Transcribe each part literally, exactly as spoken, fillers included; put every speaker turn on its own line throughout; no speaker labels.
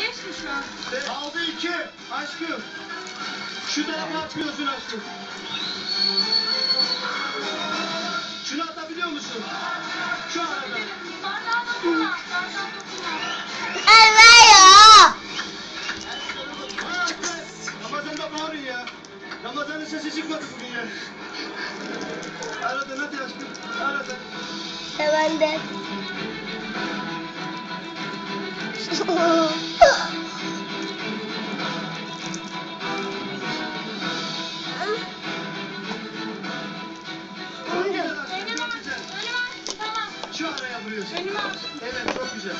beş mi şu an?
Aldı iki. Aşkım. Şu tarafa atmıyorsun aşkım. Şunu atabiliyor musun? Şu arada.
Bardağın dokunma. Bardağın dokunma.
Ramazan'da bağırın ya. Ramazan'ın sesi çıkmadı bugün ya. Aradın hadi aşkım. Aradın.
Ben de.
Çok güzel aşkım.
Önümü
Çok
aç.
güzel.
Önümü aç. Tamam.
Şu araya vuruyorsun.
Önümü aç.
Evet çok güzel.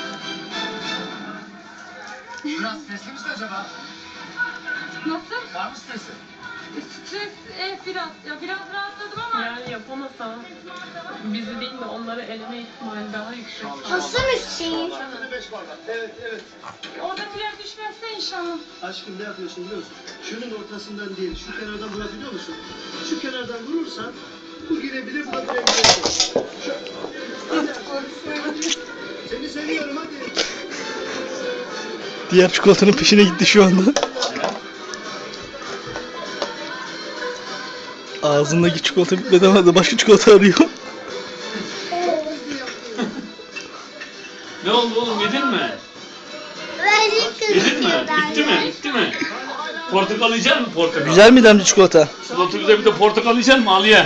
Biraz stresli misin acaba?
Nasıl?
Var mı stresi?
Stres e, biraz. Ya biraz rahatladım ama.
Yani yapamasa bizi değil de onları eleme ihtimali daha yüksek.
Nasıl Hüseyin?
Altını beş bardak. Evet evet.
Oradakiler düşmezse inşallah.
Aşkım ne yapıyorsun biliyor musun? Şunun ortasından değil, şu kenardan vurabiliyor musun? Şu kenardan vurursan bu girebilir, bu da girebilir. Şu... Hadi. Hadi. Seni seviyorum hadi.
Diğer çikolatanın peşine gitti şu anda. Ağzındaki çikolata bitmedi ama da başka çikolata arıyor.
Ne oldu oğlum, yedin mi? Yedin mi? Bitti mi? Bitti mi? Portakal yiyecek misin portakal?
Güzel miydi amca çikolata?
Slotu bize bir de portakal yiyecek misin Aliye?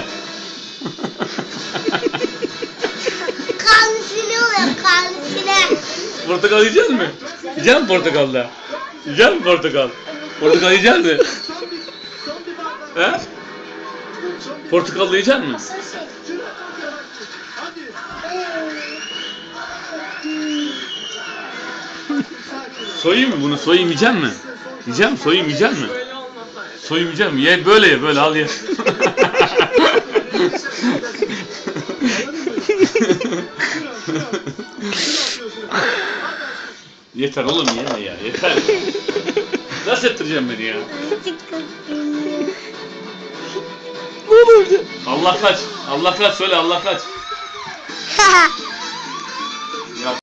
Kansine oluyor kansine.
Portakal yiyecek misin? Yiyecek misin portakal da? Yiyecek misin portakal? Portakal yiyecek misin?
Son bir, son bir bardak.
He?
Son bir
Portakal da yiyecek misin?
Şuna çok yavaş. Hadi. Sakin ol.
Soyayım mı bunu? Soyayım yiyecek misin? Yiyecek misin? Soyayım yiyecek misin?
Böyle olmasaydı.
Soyayım yiyecek misin? Ye böyle ye böyle al ye. Yeter oğlum yeme ya yeter. Nasıl ettireceğim beni ya?
Ne oldu amca?
Allah kaç. Allah kaç söyle Allah kaç.